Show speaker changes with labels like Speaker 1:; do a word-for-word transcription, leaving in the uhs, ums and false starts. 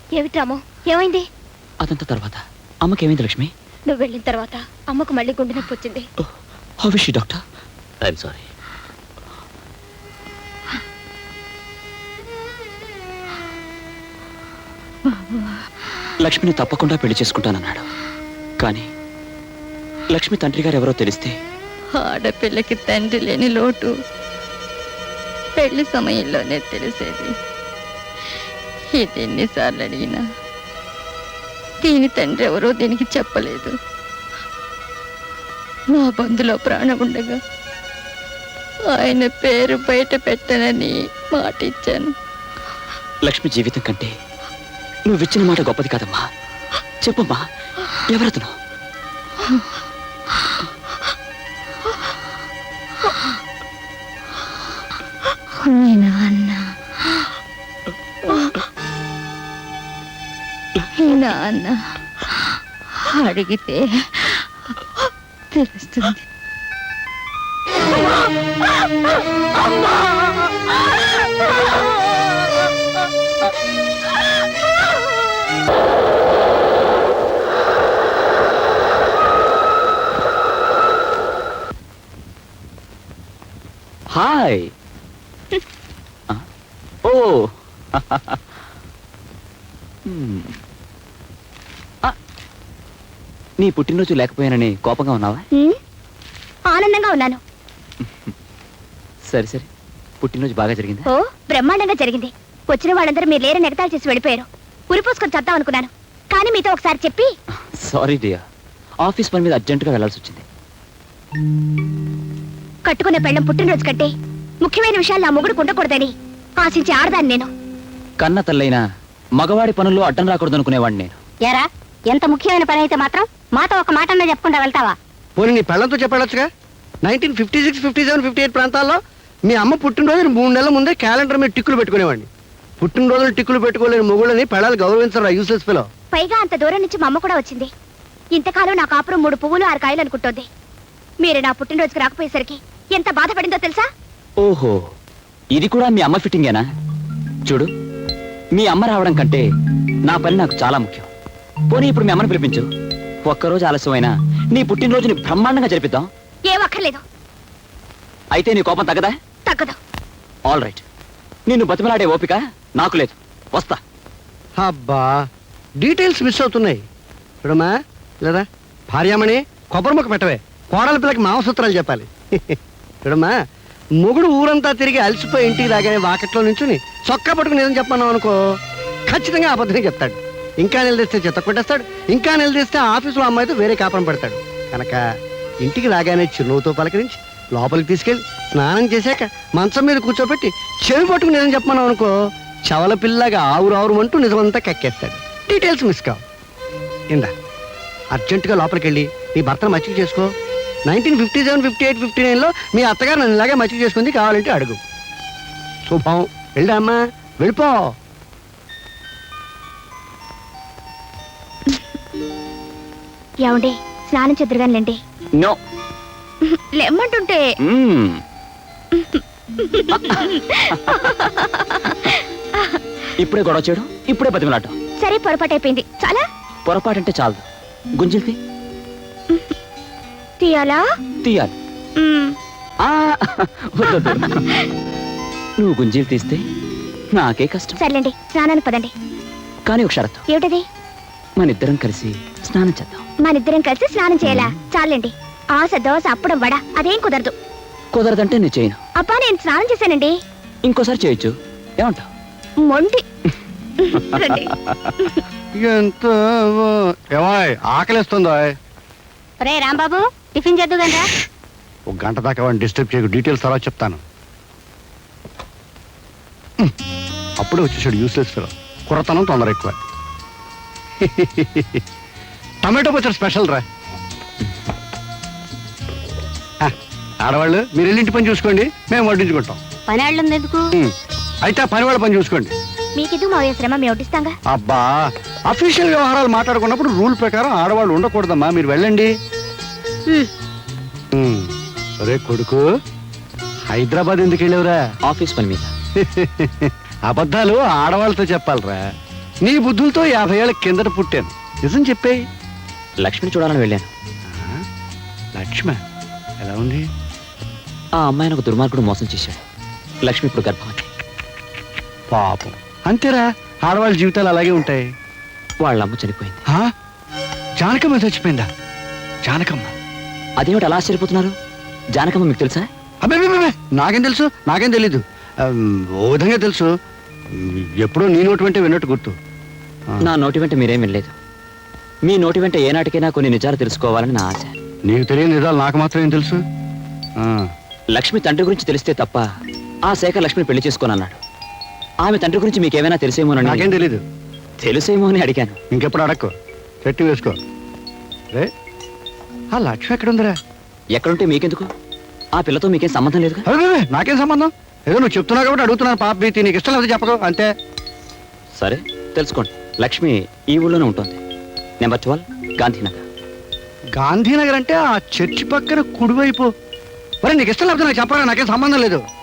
Speaker 1: ఏమిటి రాము, ఏమైంది?
Speaker 2: అదంతా తర్వాత. అమ్మకి ఏమైంది లక్ష్మి?
Speaker 1: నువ్వు వెళ్ళిన తర్వాత అమ్మకు మళ్ళీ గుండె నొప్పి వచ్చింది.
Speaker 2: How is she doctor?
Speaker 3: I'm sorry.
Speaker 2: లక్ష్మిని తప్పకుండా పెళ్లి చేసుకుంటానన్నాడు. కానీ లక్ష్మి తండ్రి గారు ఎవరో తెలిస్తే?
Speaker 4: ఆడపిల్లకి తండ్రి లేని లోటు పెళ్లి సమయంలోనే తెలిసేది. ఇది ఎన్నిసార్లు అడిగినా దీని తండ్రి ఎవరో దీనికి చెప్పలేదు. నా బంధులో ప్రాణం ఉండగా ఆయన పేరు బయట పెట్టనని మాట ఇచ్చాను.
Speaker 2: లక్ష్మి జీవితం కంటే నువ్విచ్చిన మాట గొప్పది కాదమ్మా. చెప్పమ్మా, ఎవరతను?
Speaker 4: మీ నాన్న. మీ నాన్న అడిగితే తెలుస్తుంది.
Speaker 2: హాయ్. ఓ నీ పుట్టినరోజు లేకపోయానని కోపంగా ఉన్నావా?
Speaker 1: ఆనందంగా ఉన్నాను.
Speaker 2: సరే సరే, పుట్టినరోజు బాగా జరిగిందా?
Speaker 1: ఓ బ్రహ్మాండంగా జరిగింది. వచ్చిన వాళ్ళందరూ మీరు లేరని ఎగతాళి చేసి వెళ్ళిపోయారు. ఉరిపోసుకొని చద్దాం అనుకున్నాను, కానీ మీతో ఒకసారి చెప్పి.
Speaker 2: సారీ డియర్, ఆఫీస్ పని మీద అర్జెంటుగా వెళ్లాల్సి వచ్చింది.
Speaker 1: కట్టుకునే పెళ్ళం పుట్టినరోజు కంటే ముఖ్యమైన విషయాలు నా మొగుడు ఉండకూడదని ఆశించి ఆడదాన్ని నేను.
Speaker 2: కన్న తల్లైనా మగవాడి పనుల్లో అడ్డం రాకూడదు అనుకునేవాడిని నేను.
Speaker 1: ఎరా, ఎంత ముఖ్యమైన పని అయితే మాత్రం మాతో ఒక మాట అన్నా చెప్పకుండా వెళ్తావా?
Speaker 5: పోనీ నీ పెళ్ళంతో చెప్పాడొచ్చుగా. Nineteen fifty six fifty seven fifty eight ప్రాంతాల్లో మీ అమ్మ పుట్టినరోజు మూడు నెలల ముందే క్యాలెండర్ మీద టిక్కులు పెట్టుకునేవాడిని. పుట్టినరోజులు టిక్కులు పెట్టుకోలేని మొగుళ్ళని పెళ్ళాలు గౌరవించరా యూసెస్ పిలో.
Speaker 1: పైగా అంత దూరం నుంచి మా అమ్మ కూడా వచ్చింది. ఇంతకాలం నా కాపురం మూడు పువ్వులు ఆరు కాయలు అనుకుంటోంది. మీరు నా పుట్టినరోజుకి రాకపోయేసరికి ఎంత బాధపడిందో తెలుసా?
Speaker 2: ఓహో, ఇది కూడా మీ అమ్మ ఫిట్టింగేనా? చూడు, మీ అమ్మ రావడం కంటే నా పని నాకు చాలా ముఖ్యం. పోనీ ఇప్పుడు మీ అమ్మని పిలిపించు. ఒక్కరోజు ఆలస్యమైనా నీ పుట్టినరోజుని బ్రహ్మాండంగా జరిపిద్దాం.
Speaker 1: ఏం అక్కర్లేదు.
Speaker 2: అయితే నీ కోపం తగ్గదా?
Speaker 1: తగ్గదు.
Speaker 2: ఆల్ రైట్, నిన్ను బతిమలాడే ఓపిక నాకు లేదు. వస్తా.
Speaker 5: అబ్బా, డీటెయిల్స్ మిస్ అవుతున్నాయి. చూడమ్మా, లేదా భార్యామణి కొబ్బరి ముక్క పెట్టవే. కోడల పిల్లకి మాంసూత్రాలు చెప్పాలి. చూడమ్మా, మొగుడు ఊరంతా తిరిగి అలసిపోయి ఇంటికి రాగానే వాకట్లో నుంచుని చొక్కా పట్టుకుని ఏదని చెప్పన్నావు అనుకో, ఖచ్చితంగా అబద్ధమే చెప్తాడు. ఇంకా నిలదీస్తే చెత్త కొట్టేస్తాడు. ఇంకా నిలదీస్తే ఆఫీసులో అమ్మాయితో వేరే కాపురం పెడతాడు. కనుక ఇంటికి రాగానే చిరునవ్వుతో పలకరించి లోపలికి తీసుకెళ్ళి స్నానం చేశాక మంచం మీద కూర్చోబెట్టి చెవి పట్టుకుని ఏదని చెప్పన్నావు అనుకో, చవల పిల్లగా ఆవురు ఆవురు అంటూ నిజమంతా కక్కేస్తాడు. డీటెయిల్స్ మిస్ కావు. ఇందా అర్జెంటుగా లోపలికి వెళ్ళి నీ భర్తను మచ్చిక చేసుకో. Nineteen fifty seven fifty eight fifty నైన్లో మీ అత్తగారు నన్ను ఇలాగే మచ్చిక చేసుకుంది, కావాలంటే అడుగు. శుభం. వెళ్ళా అమ్మా, వెళ్ళిపో.
Speaker 1: ఏమండి, స్నానం చెద్దురుగానిలేండి.
Speaker 2: నో,
Speaker 1: లెమ్మంటుంటే.
Speaker 2: ఇప్పుడే గొడవ చేయడం, ఇప్పుడే బతిమలాటం.
Speaker 1: సరే, పొరపాటు అయిపోయింది. చాలా
Speaker 2: పొరపాటంటే చాలదు. గుంజిల్కి
Speaker 1: తీయాలా?
Speaker 2: తీయాలి. నువ్వు గుంజీలు తీస్తే నాకే కష్టం.
Speaker 1: సర్లేండి, స్నానానికి పదండి.
Speaker 2: కానీ ఒక షరతు.
Speaker 1: ఏమిటది?
Speaker 2: మన ఇద్దరం కలిసి స్నానం చేద్దాం.
Speaker 1: మన ఇద్దరం కలిసి స్నానం చేయాలా? చాలండి. ఆశ దోశ అప్పడం వడ అదేం కుదరదు.
Speaker 2: కుదరదంటే నేను చేయను.
Speaker 1: అబ్బా, నేను స్నానం చేశానండి.
Speaker 2: ఇంకోసారి చేయొచ్చు, ఏమంటావు?
Speaker 1: మొండి.
Speaker 5: ఎంత ఆకలిస్తుందో.
Speaker 1: రే రాంబాబు, టిఫిన్ చేద్దు కదా.
Speaker 5: ఒక గంట దాకా వాడిని డిస్టర్బ్ చేయకు. డీటెయిల్స్ తర్వాత చెప్తాను. అప్పుడే వచ్చేసాడు యూస్లెస్ ఫెలో. కుర్రతనం తొందర ఎక్కువ. టమాటో పచ్చడి స్పెషల్ రా. ఆడవాళ్ళు మీరు వెళ్ళి ఇంటి పని చూసుకోండి, మేము వడ్డించుకుంటాం.
Speaker 1: పని వాళ్ళం ఎందుకు?
Speaker 5: అయితే ఆ పని వాళ్ళ పని చూసుకోండి.
Speaker 1: మీకిదు మా శ్రమ మేము వడ్డిస్తాంగా.
Speaker 5: అబ్బా, అఫీషియల్ వ్యవహారాలు మాట్లాడుకున్నప్పుడు రూల్ ప్రకారం ఆడవాళ్ళు ఉండకూడదమ్మా. మీరు వెళ్ళండి. అరే కొడుకు, హైదరాబాద్ ఎందుకు వెళ్ళావురా?
Speaker 2: ఆఫీస్ పని మీద.
Speaker 5: అబద్ధాలు ఆడవాళ్ళతో చెప్పాలరా. నీ బుద్ధులతో యాభై ఏళ్ళ కిందట పుట్టాను. నిజం చెప్పేయి.
Speaker 2: లక్ష్మిని చూడాలని వెళ్ళాను.
Speaker 5: లక్ష్మ ఎలా ఉంది?
Speaker 2: ఆ అమ్మాయిని ఒక దుర్మార్గుడు మోసం చేశాడు. లక్ష్మి ఇప్పుడు గర్భవతి.
Speaker 5: పాపం. అంతేరా, ఆడవాళ్ళ జీవితాలు అలాగే ఉంటాయి.
Speaker 2: వాళ్ళ అమ్మ చనిపోయింది.
Speaker 5: ఆ? జానకమ్మ చచ్చిపోయిందా? జానకమ్మ?
Speaker 2: అదేమిటి అలా ఆశ్చర్యపోతున్నారు? జానకమ్మ మీకు తెలుసా?
Speaker 5: అబ్బే నాకేం తెలుసు, నాకేం తెలీదు. ఆ, ఓ విధంగా తెలుసు. ఎప్పుడో నీ నోటి వెంటే విన్నట్టు గుర్తు. ఆ.
Speaker 2: నా నోటి వెంట మీరేం వినలేదు. మీ నోటి వెంట ఏనాటికైనా కొన్ని నిజాలు తెలుసుకోవాలని నా ఆశ.
Speaker 5: నీకు తెలియని నిజాలు నాకు మాత్రం ఏం తెలుసు? ఆ.
Speaker 2: లక్ష్మి తండ్రి గురించి తెలిస్తే తప్ప ఆ శేఖర్ లక్ష్మిని పెళ్లి చేసుకోనన్నాడు. ఆమె తండ్రి గురించి మీకేమైనా
Speaker 5: నాకేం
Speaker 2: తెలిసేమోనని
Speaker 5: తెలీదు.
Speaker 2: తెలుసేమో అని అడిగాను.
Speaker 5: ఇంకెప్పుడు అడక్కో, చెట్టు వేసుకో. రే, ఆ లక్ష్మి ఎక్కడుందిరా?
Speaker 2: ఎక్కడుంటే మీకెందుకు? ఆ పిల్లతో మీకేం సంబంధం లేదుగా.
Speaker 5: అరే నాకేం సంబంధం? ఏదో నువ్వు చెప్తున్నావు కాబట్టి అడుగుతున్నాను. పాప భీతి నీకు ఇష్టం లేదు చెప్పదు అంతే.
Speaker 2: సరే తెలుసుకోండి. లక్ష్మి ఈ ఊళ్ళోనే ఉంటుంది. Number twelve Gandhinagar.
Speaker 5: గాంధీనగర్ అంటే ఆ చర్చి పక్కన కుడివైపు. మరి నీకు ఇష్టం లేకపోతే నాకు చెప్పరా, నాకేం సంబంధం లేదు.